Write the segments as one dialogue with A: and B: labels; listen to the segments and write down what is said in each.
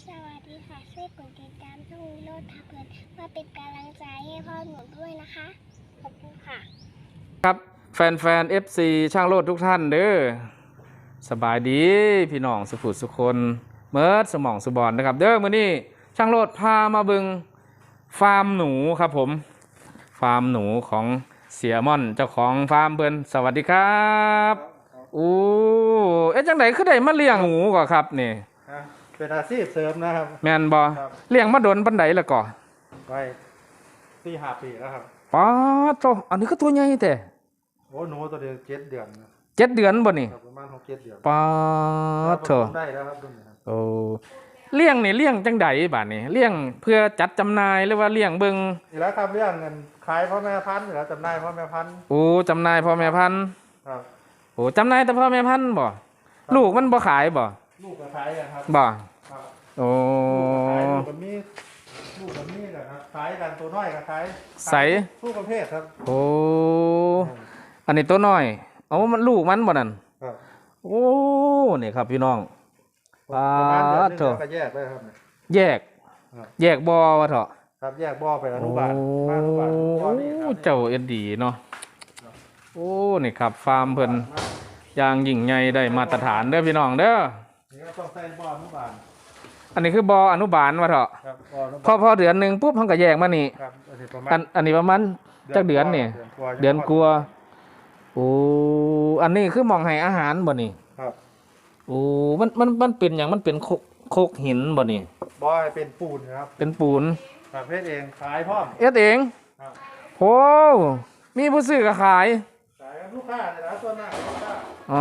A: สวัสดีค่ะช่วยกดติดตามช่องวิโรจน์พาเพลินเพื่อเป็นกำลังใจให้พ่อหนูด้วยนะคะขอบคุณค่ะ
B: ครับแฟนFC ช่างโลดทุกท่านเด้อสบายดีพี่น้องสุขุสุคนเมิร์ดสมองสุบอนนะครับเด้อมื้อนี้ช่างโลดพามาเบิงฟาร์มหนูครับผมฟาร์มหนูของเสียม่อนเจ้าของฟาร์มเพิ่นสวัสดีครับอู้จังได๋คือได้มาเลี้ยงหนูก่อครับนี่
C: เป็นอาชีพเสริมนะครับ
B: แม่นบ่เลี้ยงมาโดนปานใดแล้วก่อ
C: ไว้4-5 ปีแล้วครับ
B: ป๊าดโตอันนี้ก็ตัวใหญ่แท้
C: โอ้หนูตัวเดียว7 เดือน
B: 7 เดือนบ่นี่
C: ประมาณ6-7 เดือน
B: ป๊าดโต
C: ได้แล้วครับรุ่นนี้ครับ
B: โอ้เลี้ยงนี่เลี้ยงจังใดบาดนี้เลี้ยงเพื่อจัดจำหน่ายหรือว่าเลี้ยงเบิ่ง
C: นี่แล้วครับเรื่องเงินขายพ่อแม่พันธุ์หรือจำหน่ายพ่อแม่พันธุ์
B: โอ้จำหน่ายพ่อแม่พันธุ์
C: ครับ
B: โอ้จำหน่ายแต่พ่อแม่พันธุ์บ่ลูกมันบ่ขายบ่
C: ลูกก็ขายกันครับ
B: บ่
C: ครับ
B: โอ้
C: ขายลูกกับมีแหละครับขายกันตัวน้อยก็ขาย
B: ใส
C: ทุกประเภทครับ
B: โอ้อันนี้ตัวน้อยเอามันลูกมันบ่นั่น
C: ครับ
B: โอ้นี่ครับพี่น้อง
C: ประมาณเดือนนึงก็แยกได้ครับ
B: แยกบ่ว่าเถาะ
C: ครับแยกบ่อไปอนุบาล
B: โอ้เจ้าเอ็ดดีเนาะโอ้นี่ครับฟาร์มเพิ่นอย่างยิ่งใหญ่ได้มาตรฐานเด้อพี่น้องเด้อ
C: นี่ก็ต้องใส่บ่ออนุบาล
B: อันนี้คือบ่ออนุบาลว่าเถาะพอเดือนนึงปุ๊บเฮาก็แยกมานี่อันนี้ประมาณจักเดือนนี่เดือนกว่าโอ้อันนี้คือหม่องให้อาหารบ่นี่
C: ครับ
B: โอ้มันเป็นหยังมันเป็นโคกหินบ่นี่
C: บ่อเป็นปูนครับ
B: เป็นปูน
C: ประเภทเองขายพร้อม
B: เอ็ดเองโหมีผู้ซื้อก็ขาย
C: ลูกค้าเลยนะส่วนหน้าลูกค้า
B: อ๋อ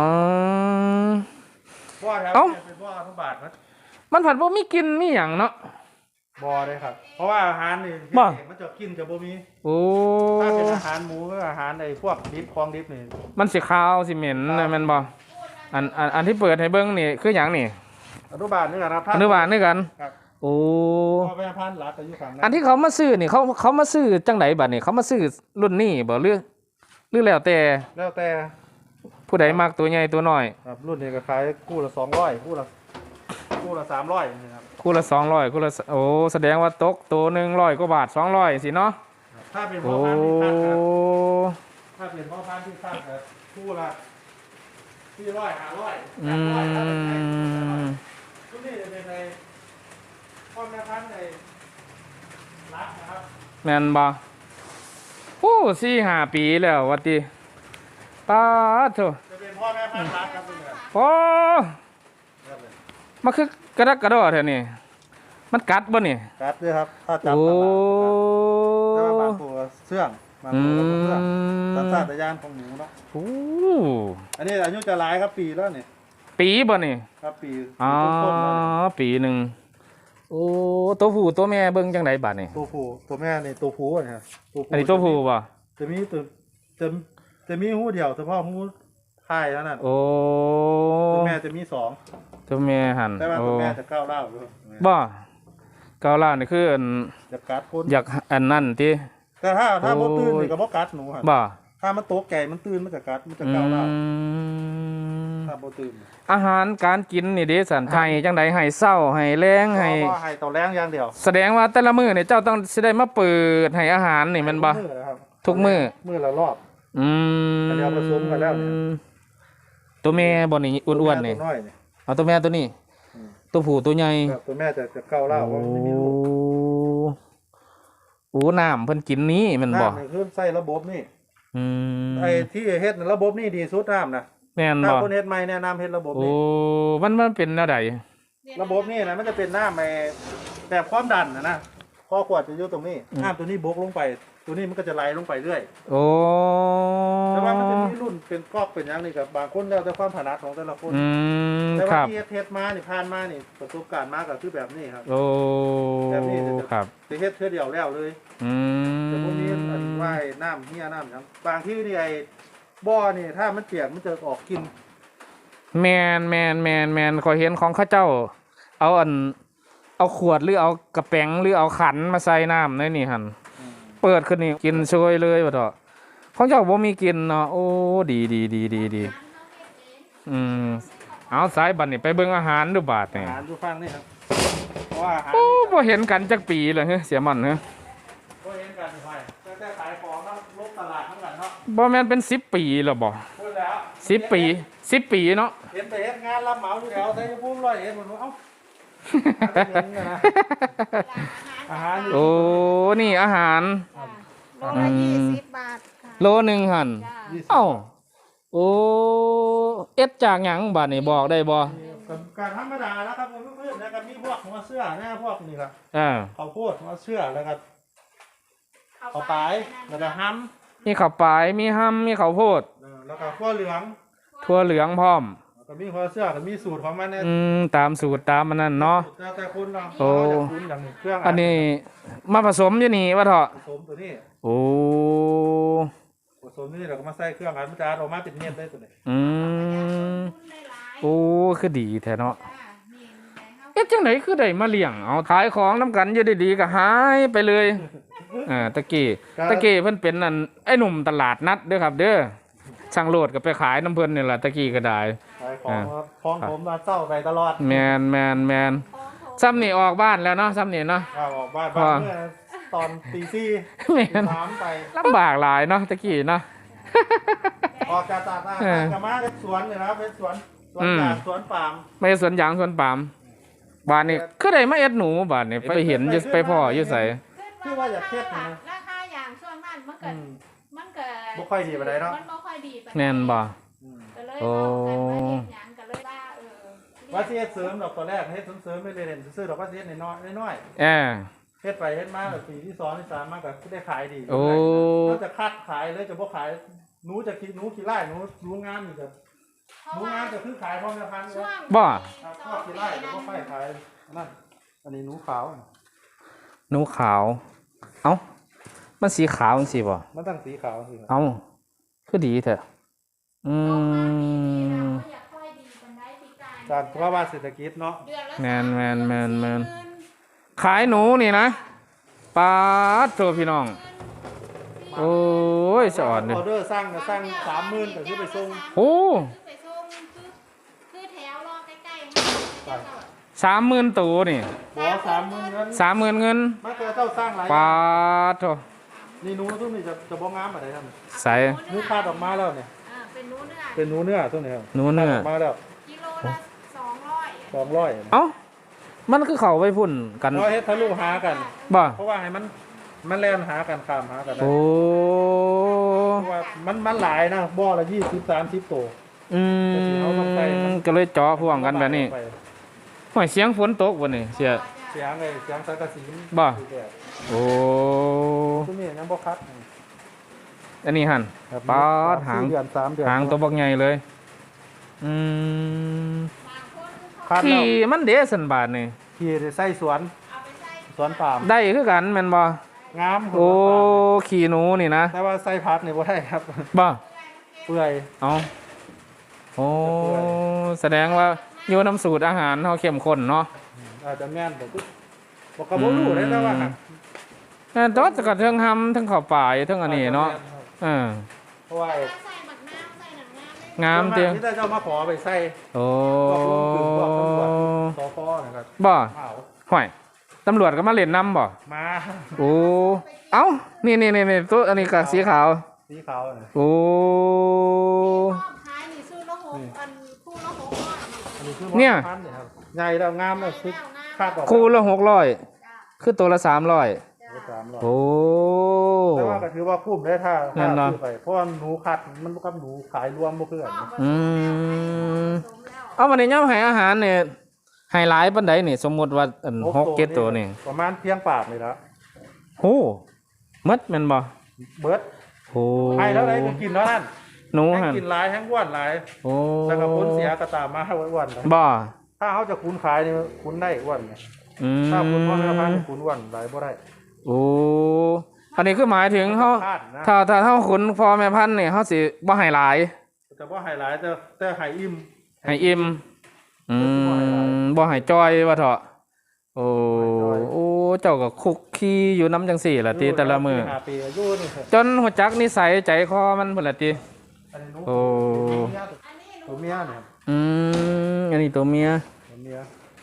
C: บ่อครับเป็นบ่ออนุบาล
B: มันผัดบ่มีกินมีหยังเนาะ
C: บ่อเลยครับเพราะว่าอาหารนี่มันจะกินจะบ่มี
B: โอ้
C: ถ้าเป็นอาหารหมูก็อาหารไอ้พวกดิบของดิบนี่
B: มันสิคาวสิเหม็นนะแม่นบ่อันที่เปิดให้เบิ่งนี่คือหยังนี่
C: อนุบาลนี่กันครับ
B: อนุบาลนี่กัน
C: ครับ
B: โอ้
C: พ่อแม่พันธุ์หลักก็อยู่ฝั่งนั้น
B: อันที่เขามาซื้อนี่เขามาซื้อจังไดบัดนี่เขามาซื้อรุ่นนี้บ่หรือแล้วแต่ผู้ใดมักตัวใหญ่ตัวน้อย
C: ครับรุ่นนี้ก็ขายคู่ละ200คู่ละ300นะครับ
B: คู่ละ200คู่ละโอ้แสดงว่าตกตัวนึง100กว่าบาท200สิเนาะ
C: ถ้าเป็นพ่อพันธุ์ที่คัดครับถ้าเป็นพ่อพันธุ์ที่คัดก็คู่ละ400 500รุ่นนี้จะเป็นในพ่อแม่พันธุ์ในรักนะครับ
B: แม่นบ่โอ้4-5 ปีแล้วว่าติป๊าดโธ่
C: จะเป็นพ่อแม่พันธุ์รักครับเพื่อน
B: โอ้มันคือกระดักกระดอแท้นี่มันกัดบ่นี่
C: กัดด้วยครับถ้าจับแต่ว่าบางตัวเสื่องบางตัวเสื่องสัญชาตญาณของหนูเนาะ
B: โอ้
C: อันนี้อายุจะหลายครับปีแล้วนี่
B: ปีบ่นี่
C: ครับปี
B: อ๋อปีนึงโอ้ตัวผู้ตัวแม่เบิ่งจังไดบัดนี่
C: ตัวผู้ตัวแม่นี่ตัวผู้นะครับ
B: อันนี้ตัวผู้บ่
C: จะมีหูเดียวเฉพาะหูท้ายเท่านั้น
B: โอ้
C: ตัวแม่จะมี2
B: ตัวแม่หั่น
C: แต่ว่าตัวแม่จะก้าวเล่าอยู่
B: บ่ก้าวเล่านี่คือ
C: จะกัดคน
B: อยากอันนั้นติ
C: แต่ถ้าบ่ตื่นนี่ก็บ่กัดหนูหั่น
B: บ่
C: ถ้ามันตกใจมันตื่นมันจะกัดมันจะก้าวเล่าถ้าบ่ตื่น
B: อาหารการกินนี่เด้สันให้จังไดให้เช้าให้แลงให้
C: ต่อแรงอย่างเดียว
B: แสดงว่าแต่ละมื้อนี่เจ้าต้องสิได้มาเปิดให้อาหารนี่แม่นบ่ทุกมื้อ
C: ละรอบอันนี้ผสมกันแล้วนี่
B: ตัวแม่บ่นี่อ้วนๆนี่เอาตัวแม่ตัวนี้ตัวผู้ตัวใหญ่
C: ตัวแม่จะก้าวเล่าว่าไม่มีลูก
B: โอ้น้ำเพิ่นกินนี้มันบ่
C: น้ำนี่คือใส่ระบบนี่ไอ้ที่เฮ็ดระบบนี่ดีสุดน้ำนะ
B: แม่นบ่
C: ถ้าคนเฮ็ดใหม่แนะนำเฮ็ดระบบนี่
B: โอ้มันเป็นแนวใด
C: ระบบนี่นะมันจะเป็นน้ำแบบความดันนะข้อขวดจะอยู่ตรงนี้น้ำตัวนี้บกลงไปตัวนี้มันก็จะไหลลงไปเรื่อย
B: โอ้
C: แต่ว่ามันจะมีรุ่นเป็นก๊อกเป็นอย่างนี้กับบางคนแล้วแต่ความถนัดของแต่ละคนแต่ว่าที่เฮ็ดมานี่ผ่านมานี่ประสบการณ์มาก็คือแบบนี้ครับ
B: โอ้
C: แบบนี้
B: ครับ
C: จะเฮ็ดเทื่อเดียวแล้วเลยแต่พวกนี้ว่ายน้ำเหี้ยน้ำครับบางที่นี่ไอ้บ่อนี่ถ้ามันเปียกมันจะออกกิน
B: แมนขอยเห็นของข้าเจ้าเอาขวดหรือเอากระแป้งหรือเอาขันมาใส่น้ำในนี่หั่นเปิดขึ้นนี่กินช่วยเลยว่าเถอะของเจ้าบ่มีกินเนาะโอ้ดีเอาสายบัดนี่ไปเบิ่งอาหารดูบาดนี่
C: อาหารดูฟังนี่ครับเพราะว่าอาหาร
B: โอ้
C: นี่
B: บ่เห็นกันจักปีเลยเฮ้ยเสียมันเฮ้ย
C: ก็เห็นกันไปแต่ขายของแล้วลบตลาดทั้งกันเนาะ
B: บ่แม่นเป็น10 ปีแล้วบ่
C: พูดแล้ว
B: 10 ปี10 ปีเนาะ
C: เห็นไปเฮ็ดงานรับเหมาอยู่แถวไทยภูมิร้อยเอ็ดหมดเอ้าอาหารอยู่
B: โอ้ นี่อาหาร
D: โลละ20 บาทค่ะ
B: โลหนึ่งหั่น
D: จ้า
B: เอ้า โอ้ เอ็ดจากหยังบัดนี่บอกได้บ่
C: การธรรมดาแล้วครับผมเพื่อนๆแล้วก็มีพวกหัวเสื้อหน้าพวกนี่ครับ
B: อ่า
C: ข้าวโพดหัวเสื้อแล้วก็ข้าวปลายแล้วก็ห้ำ
B: มีข้าวปลาย มีห้ำมีข้าวโพด
C: แล้วก็ข้าวเหลือง
B: ทั่วเหลืองพร้อม
C: แล้วก็มีหัวเสื้อก็มีสูตรของมันเนี่ย
B: ตามสูตรตามมันนั่นเนาะ
C: แต่คุณเนาะ
B: โอ้
C: เราจะคุ้นอย่างเครื่อง
B: อันนี้มาผสมอยู่นี่ว่าเถอะ
C: ผสมตัวนี้
B: โอ้
C: ผสมนี่เราก็มาใส่เครื่องอันมันจะออกมาเป็นเม็ดได้ตัวนี้
B: อืม โอ้ คือดีแท้เนาะ
D: จ้านี่ไงเฮา
B: เอ๊ะจังไหนคือได้มาเลี้ยง เอาขายของน้ำกันอยู่ดีๆก็หายไปเลยตะกี้เพิ่นเป็นนั่นไอ้หนุ่มตลาดนัดเด้อครับ เด้อ ช่างโลดก็ไปขายน้ำเพิ่นนี่แหละตะกี้ก็ได้
C: ขายของครับของผมมาเศร้าไปตลอด
B: แมนซ้ำนี่ออกบ้านแล้วเนาะซ้ำนี่เนาะ
C: ข้าวออกบ้านบ้านเมื่อตอนตีสี่
B: แม่น
C: สามไป
B: ลำบากหลายเนาะตะกี้เนาะ
C: ออกจากตลาดกลับมาเป็นสวนเลยนะครับเป็นสวนยางสวนปาล์ม
B: ไม่สวนยางสวนปาล์มบ้านนี่คือได้มาเอ็ดหนูบ้านนี่ไปเห็นอยู่ไปพ่ออยู่ไส
C: คือว่าอยากเทียบนะ
D: ราคาอย่างช่วงนั้นมันก็มันก็
C: บ่ค่อยดีปานใดเนาะ
D: มันบ่ค่อยดีปานใด
B: แม่นบ่
D: ก็เลยเอากันมาเฮ็ดหยังก็เลยว่า
C: ว่าสิเฮ็ดเสริมดอกตอนแรกเฮ็ดเสริมไม่ได้เล่นซื้อดอกว่าสิเฮ็ดน้อย
B: แอ
C: ๆเฮ็ดไปเฮ็ดมาแบบปีที่2ที่3มาก็ได้ขายดี
B: โอ้
C: เราจะคัดขายเลยจะบ่ขายหนูจะคิดหนูขี้ไล่หนูงามนี่ก็
D: เพราะ
C: หนู
D: ว่าง
C: ามก็คือขายพร้อมจะพัน
D: ช่วง
B: บ่
C: ชอบขี้ไล่แต่บ่ค่อยขายนั่นอันนี้หนูขาว
B: หนูขาว เอ้ามันสีขาวจังซี่บ่
C: มันตั้งสีขาวสิ
B: เอ้าคือดีแท้อื
D: โรงงานปีนี้นะ
B: ม
D: บ่อยากค่อยดีปานใดปีกาย
C: จากภาวะเศรษฐกิจเนาะ
D: เดือนละ
B: แม่น
D: 30,000
B: ขายหนูนี่นะปาดโทพี่น้อง โอ้ยสะอ่อน
C: อ
B: เด้อ
C: อเดอร์สร้างก็สร้าง30,000ก็คือไปส่ง
B: โอ้
D: ไปส่งคือแถวรอใกล้ๆให้
B: 30,000ตัวนี่
C: บ่30,000เงิน
B: 30,000เงิน
C: มาเจอเจ้าสร้างหลาย
B: ปาดโท
C: นี่หนูตุ้มนี่จะบ่งามปานใดครับ
B: ใส่
C: หนูคาดออกมาแล้วเนี่ย
D: เป็นนู้นเนื้อ
C: เป็นหนูเนื้อตัวนี้ครับ
B: หนูเนื้อ
C: คาดออกมาแล้ว
D: กิโลละ200
C: 200
B: เอ้ามันคือเขาไปพุ่นกัน
C: เพราะเฮ็ดทะลุหากัน
B: บ่
C: เพราะว่าให้มันแล่นหากันข้ามหากันได้
B: โอ้
C: เพราะว่ามันหลายนะบ่อละ20-30ตัว
B: ก็เลยเจาะพ่วงกันแบบนี้ห่วยเสียงฝนตกวันนี้เสีย
C: เสียงไอ้เสียงสังกะสี
B: บ่
C: อยู่แบบ
B: โอ้
C: ตัวนี้ยังบ่คัด
B: อันนี้หัน
C: ครับ
B: ปาดหาง
C: 4 เดือน3 เดือน
B: หางตัวบักใหญ่เลย อืม
C: คัดแล้ว
B: ขี่มันเดสันบาทนี่
C: ขี่ได้ใส่สวนสวนปาล์ม
B: ได้คือกันแม่นบ่
C: งาม
B: โอ้ขี่หนูนี่นะ
C: แต่ว่าใส่พักนี่บ่ได้ครับ
B: บ่
C: เปื่อย
B: เอาโอ้แสดงว่าอยู่น้ำสูตรอาหารเฮาเข้มข้นเนาะ
C: อาจจะแม่นแต่ก็บ่ก็บ่รู้ได้แต่ว่า
B: แต่ตอนจะกระเทิงหำทั้งข้าวปลายทั้งอันนี้เนาะเออ
C: เพราะว่า
D: ใส่หมักน้ำใส่หนังน้ำได้
B: งามเตียง
C: ที่ได้เจ้ามาขอไปใส่
B: โอ้
C: พวกลุงถึงพวกตำรวจสพนะครับ
B: บ่
C: เอ้า
B: ห่วยตำรวจก็มาเล่นน้ำบ่
C: มา
B: โอ้ เอ้า นี่ตัวอันนี้กับสีขาว
C: สีขาวน่ะ
B: โอ้
D: ขายนี่ซื้อละ6อันคู่ละ600
C: อันนี้คือ
B: เนี่ย
C: พันธุ์ครับใหญ่แล้วงามแล้วคือคาดออก
B: คู่ละ600คือตัวละ300
C: 300
B: โอ้
C: แต่ว่าก็ถือว่าคุ้มได้ถ้า
B: นั่นเนาะ
C: ซื้อไปเพราะว่าหนูคัดมันบ่กับหนูขายรวมบ่คือกันนะ
B: อืมเอาวันนี้ย่อมให้อาหารเนี่ยให้หลายปานใดนี่ สมมุติว่าอัน6 7ตัวนี่
C: ประมาณเพียงปากนี่ละ
B: โหหมดแม่นบ่
C: เบิด
B: โอ้
C: ให้แล้วได้ก็กินแล้วนั่น
B: หนู
C: แห้ง
B: หั่น
C: กินหลายแห้งอ้วนหลาย
B: โอ้
C: แล้วก็ผลเสียก็ตามมาให้อ้วนๆนะ
B: บ่
C: ถ้าเขาจะคุ้นขายนี่คุ้นได้อ้วนไง
B: อืม
C: ถ้าคุ้นพ่อแม่พันธุ์คุ้นอ้วนหลายบ่ได้
B: โอ้อันนี้คือหมายถึงเฮา
C: คาดนะ
B: ถ้าเฮาขุนพ่อแม่พันธุ์นี่เฮาสิบ่ให้หลาย
C: แต่ว่าไฮไลท์แต่ไฮอิ่ม
B: ให้อิ่มบ่ให้จ้อยว่าเถาะโอ้โอ้เจ้าก็คุกคีอยู่น้ำจังสี่ล่ะติแต่ละมื้อ
C: 5 ปีอายุนี่
B: จนหัวจักนิสัยใจคอมันพุ่นล่ะติ
C: อันนี้หนู
B: โอ้
C: ตัวเมียเนี่ย
B: อันนี้ตัวเมีย
C: ตัวเมีย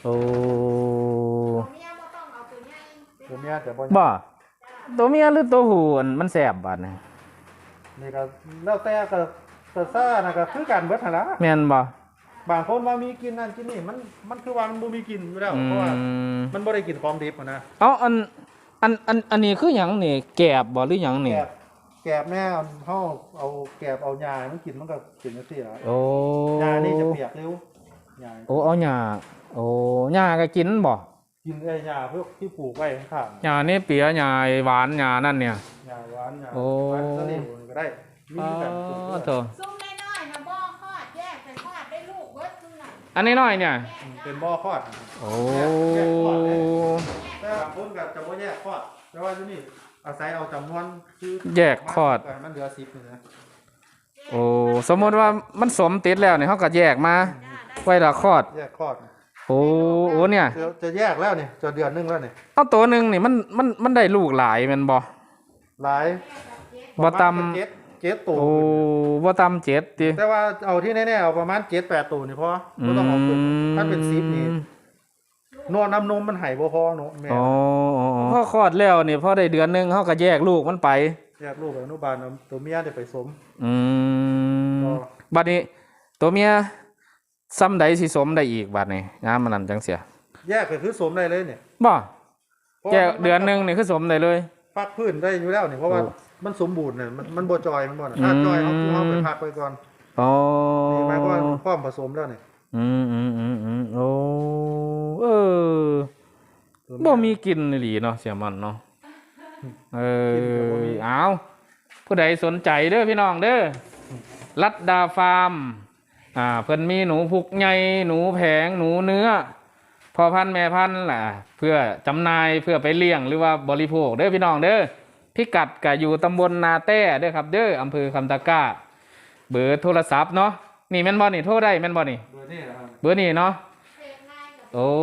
B: โอ้
D: ตัวเมียบ่ต้องเอาตัวใหญ่
C: ตัวเมียแต่บ่
B: บ่ตัวเมียหรือตัวผู้อันมันแสบบัดนี่
C: นี่ก็แล้วแต่ก็ซ่านะก็คือกันเบิดหั่นล่ะ
B: แม่นบ่
C: บางคนว่ามีกินนั่นกินนี่มันคือว่ามันบ่มีกินอยู่แล้ว
B: อื
C: เพราะว่าม มันบ่ได้กินของดิบอะนะ
B: เอาอันนี้คือหยังนี่แกบบ่หรือหยังนี่
C: แกบแม่เฮาเอาแกบเอาหญ้าให้มันกินมันก็กินจังซี่ล่ะ
B: โอ้
C: หญ้านี่จะเปียกเร็วหญ้า
B: โอ้เอาหญ้าโอ้หญ้าก็กินบ่
C: กินไอ้หญ้าพวกที่ปลูกไว้ข้าง
B: หญ้านี่เปียหญ้าหวานหญ้านั่นเนี่ย
C: ๆหญ้าหวานหญ้า
B: โอ้
C: หวานสลิดก็ได้มี
B: อ๋อ
C: กันปลูกด้วย
B: โถ
D: ซุ่มน้อยๆนะบ่คลอดแยกแต่คลอดได้ลูกเบิดซุ่มน่ะ
B: อันนี้น้อยเนี่ย
C: เป็นบ่อคลอด
B: โอ้
C: แยกคลอดเลย แต่บางคนก็จะบ่แยกคลอดแต่ว่าอยู่นี่อาศัยเอาจำนวนคือ
B: แยกคลอด
C: มันเหลือ10นี่นะ
B: โอ้สมมติว่ามันสมติดแล้วเนี่ยเขาก็แยกมาไว้ละคลอด
C: แยกคลอด
B: โอ้โอ้เนี่ย
C: จะแยกแล้วนี่จะเดือนหนึงแล้วนี่
B: เอาตัวหนึ่งนี่มันได้ลูกหลายแมันบ่
C: หลาย
B: บ่ต
C: เจ็ดตัว
B: ำโอ้บ่ตำ7ติ
C: แต่ว่าเอาที่แน่ๆเอาประมาณ7-8ตัวนี่พอบ่ต้องเอาเกินถ้าเป็น10นี่นวดน้ำนมมันไหบ่พอเนาะแม่
B: อ๋อพอคลอดแล้วนี่พอได้เดือนหนึงเขาก็แยกลูกมันไป
C: แยกลูกอนุบาลเอาตัวเมียได้ไปสม
B: อืม
C: อ๋อ
B: บัดนี้ตัวเมียซ้ำใดสิสมได้อีกบัดนี้งามมันนั่นจังเสีย
C: แยกก็คือสมได้เลยเนี่ย
B: บ่
C: พราะ
B: แยก
C: ว่ามั
B: เดือนหนึงนี่คือสมได้เลย
C: พักพื้นได้อยู่แล้วนี่เพราะว่า
B: โอ้
C: มันสมบูรณ์เนี่ยมันบ่จอยมันบ่น่ะถ้าจอยเขาคือเขาไปพักไปก่อน
B: อ๋อ
C: นี่หมายความว่าพร้อมผสมแล้วนี่
B: โอ้เออบ่มีกินอีหลีเนาะเสียมันเนาะเออเอาผู้ใดสนใจเด้อพี่น้องเด้อรัดดาฟาร์มเพิ่นมีหนูพุกใหญ่หนูแผงหนูเนื้อพ่อพันธุ์แม่พันธุ์ล่ะเพื่อจำหน่ายเพื่อไปเลี้ยงหรือว่าบริโภคเด้อพี่น้องเด้อพิกัดก็อยู่ตำบลนาแต้เด้อครับเด้ออำเภอคำตะกร้าเบอร์โทรศัพท์เนาะนี่แม่นบ่นี่โทรได้แม่นบ่นี่
C: เบอร์นี่นะครับ
B: เบอร์นี้เนาะ
D: เทง่ายกับ
B: โอ้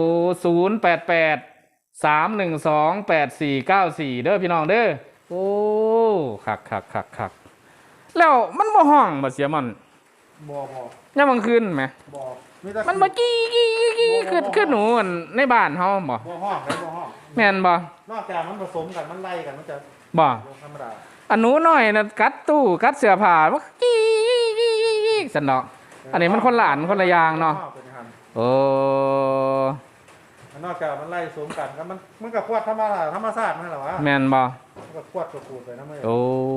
B: 088 312 8494เด้อพี่น้องเด้อโอ้คักแล้วมันบ่ห้องบ่เสียมัน
C: บ่
B: ยามกลางคืนไหม
C: บ่มีแต่
B: มันบ่กี้คือหนูอั่นในบ้านเฮาบ่
C: บ่ห้องได้บ่ห้อง
B: แม่นบ่
C: นอกจากมันผสมกันมันไล่กันมันจะ
B: บ่
C: ลงธรรมดา
B: อันหนูน้อยน่ะกัดตู้กัดเสื้อผ้ามันกี้ซั่นเนาะอันนี้มันคนละอันคนละอย่างเนาะ
C: เป็นอย่างนั้น
B: โอ้
C: นอกจากมันไล่ผสมกันก็มันก็ควดธรรมชาตินั่นแหละวะ
B: แม่นบ่
C: มันก็ควดก็ขูดไปนะเมื่อ
B: โอ้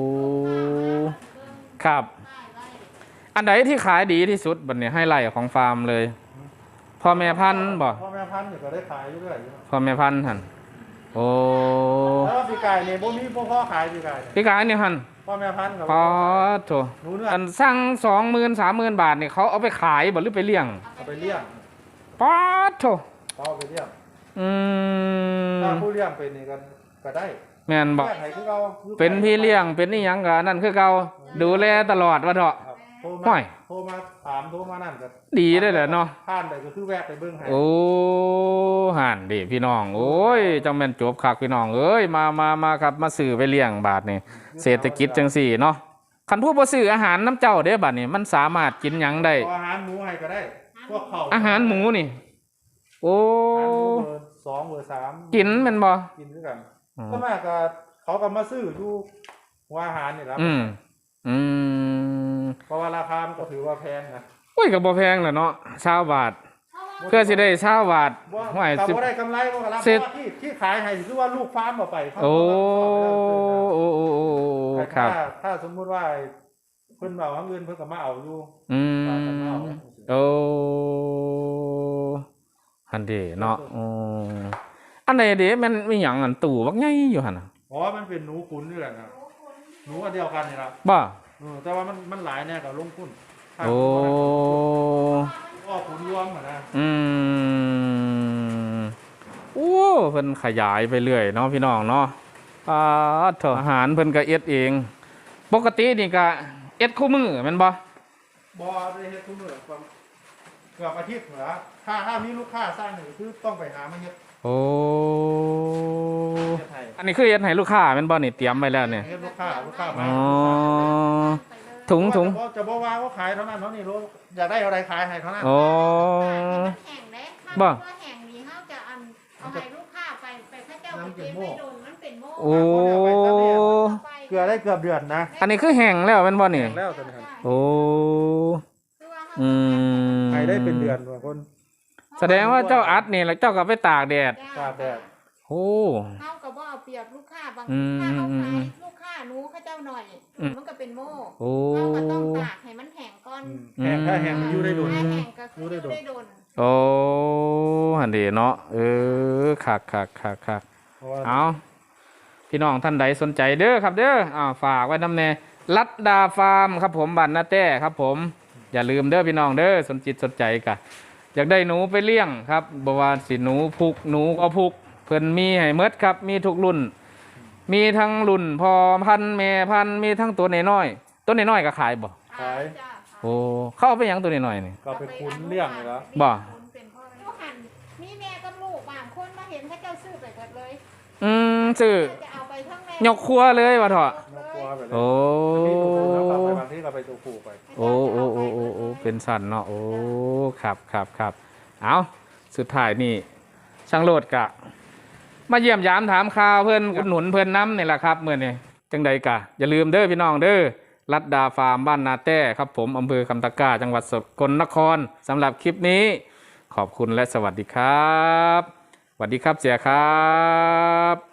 B: ครับ อันไหนที่ขายดีที่สุดบัดนี้ให้ไล่ของฟาร์มเลยพ่อแม่พันธุ์บ่
C: พ่อแม่พันธุ์นี่ก็ได้ขายอยู่เรื่อยอยู่
B: พ่อแม่พันธุ์หั่นโอ้
C: แล้วปีกายนี่บ่มีพ่อขายปีกายนี่
B: พี่กายนี่หั่น
C: พ่อแม่พันธุ์กับ
B: พอโถ
C: หนูเนื้อ
B: อันสร้าง20,000-30,000 บาทนี่เขาเอาไปขายบ่หรือไปเลี้ยง
C: เอาไปเลี้ยง
B: ป๊าดโถ
C: เอาไปเลี้ยง
B: อืม
C: ถ้าผู้เลี้ยงเป็นนี่ก็ได้
B: แม่นบ่
C: เลี้ยงให้คือเรา
B: เป็นพี่เลี้ยงเป็นนี่หยังก็นั่นคือเก่าดูแลตลอดว่าเถาะ
C: ครับโทร
B: ห้
C: มา
B: อย
C: โทรมาถามโทรมานั่นก็
B: ดีได้แหละเนาะ
C: ผ่านไปก็คือแวะไปเบิ่งให้
B: โอ้ห่านดิพี่น้องโอ้ยจังแม่นจบคักพี่น้องเอ้ยมาครับมาซื้อไปเลี้ยงบาทนี่เศรษฐกิจจังสี่เนาะคันผู้บ่ซื้ออาหารน้ำเจ้าเด้บาดนี่มันสามารถกินหยังได้
C: เอาอาหารหมูให้ก็ได้ พวกเขา
B: อาหารหมูนี่ โอ้
C: อาหารหมูเบอร์2เบอร์3
B: กินแม่นบ่
C: กินด้วยกัน
B: อ๋อ
C: ก็มากก็เขาก็มาซื้ออยู่หัวอาหารนี่แหละ
B: อืม
C: เพราะว่าราคามันก็ถือว่าแพงนะ
B: โอ้ยก็บ่แพงแหละเนาะ20 บาทเพื่อสิได้20 บาท
C: ว่า
B: ห้วย
C: แต่
B: สิบ
C: ว่าได้กำไรว่ากันแล้วเพ
B: เสร็จ
C: ราะว่าที่ขายให้คือว่าลูกฟาร์มเอาไปเขา
B: โอ้
C: ก็
B: ครับ
C: ถ้าสมมุติว่าเพิ่นเอาเงินเพิ่นก็มาเอาอยู่
B: อื
C: ว่ากันมาเอา
B: มโอ้หันเดเนาะอืมอันไหนเด้มันมีหยังอันตู่บักใหญ่อยู่หั่นน่ะ
C: อ๋อมันเป็นหนูขุนนี่แหละนะหนูอันเดียวกันนี่ล่ะ
B: บ่
C: แต่ว่ามันหลายแน่กับลงทุนถ้า
B: โอ้
C: ก็ขุนรวมอะนะ
B: อืมโอ้เพิ่นขยายไปเรื่อยเนาะพี่น้องเนาะเถอะอาหารเพิ่นก็เอ็ดเอง ปกตินี่ก็เอ็ดคู่มือแม่นบ่
C: บ่ได้เฮ็ดทุกมื้อเกือบอาทิตย์เหรอถ้ามีลูกค้าสร้างนี่คือต้องไปหามาเฮ็ด
B: โอ้
C: เฮ็ดให้
B: อันนี้คือเอ็ดให้ลูกค้าแม่นบ่นี่เตรียมไว้แล้วเนี่ย
C: เฮ็ดลูกค้ามา
B: อ๋อถุง
C: จะบ่ว่าว่าขายเท่านั้นเท่านี้อยากได้เท่าใดขายให้เท่านั้น
B: โอ้
D: แห้งเด้
B: บ่
D: แห้งดี
C: มันเป็นโม่
D: ไม่โดนมันเป็นโม่
B: โอ้
C: เกลือได้เกือบเดือนนะ
B: อันนี้คือแห้งแล้วแมันบ่นี่
C: แห้งแล้วตอนนี้ครับ
B: โอ้อืม
C: ไอได้เป็นเดือนบางคน
B: แสดงว่าเจ้าอัดนี่แล้วเจ้าก็ไปตากแดด
C: ตากแดด
B: โอ้
D: เข้ากับว่าเอาเปรียบลูกค้าบาง
B: อืม
D: ถ้าเขา
B: อืม
D: ขา
B: อื
D: ย
B: ม
D: ลูกค้าหนูเขาเจ้าหน่อย
B: อืม
D: มันก็เป็นโม่
B: โอ้
D: เขาก็ต้องตากให้มันแห้งก่อน
C: แห้งถ้าแห้งมันอยู่ได้โดน
D: ถ้าแห้งก็คือ
C: รู้ได้โดน
D: ได้โดน
B: โอ้หันดีเนาะคัก
C: เพราะว่า
B: เอาพี่น้องท่านใดสนใจเด้อครับเด้อฝากไว้นำแน่ลัดดาฟาร์มครับผมบ้านนาแต้ครับผมอย่าลืมเด้อพี่น้องเด้อสนจิตสนใจกะอยากได้หนูไปเลี้ยงครับบว่าสิหนูพุกหนูก็พุกเพิ่นมีให้เมดครับมีทุกรุ่น มีทั้งรุ่นพอพันธุ์แม่พันธุ์มีทั้งตัวน้อยๆตัวน้อยๆก็ขายบ่
C: ขาย
D: จ้ะ
B: โอ้เข้าเอาไปหยังตัวน้อยๆนี่
C: ก็ไปคุ้นเลี้ยงเลยแล้ว
B: บ่
D: เป็นพ่อลูกหันมีแม่กับลูกบางคนมาเห็นเขาเจ้าซื้อไปหมดเลย
B: ซื้อ
D: จะเอาไปทั้งแม่
B: ยกครัวเลยว่าเถอะ
C: นกกลัวไปเลย
B: โอ้
C: มีตัวอื่นแล้วก็ไปบางที่ก็ไปตัวผูกไป
B: โอ้เป็นสันเนาะโอ้ครับเอาสุดท้ายนี่ช่างโลดกะ มาเยี่ยมยามถามข่าวเพื่อนอุดหนุนเพื่อนน้ำนี่แหละครับเมื่อนี่จังใดกะอย่าลืมเด้อพี่น้องเด้อลัดดาฟาร์มบ้านนาแต้ครับผมอำเภอคำตะกร้าจังหวัดสกลนครสำหรับคลิปนี้ ขอบคุณและสวัสดีครับสวัสดีครับเสียครับ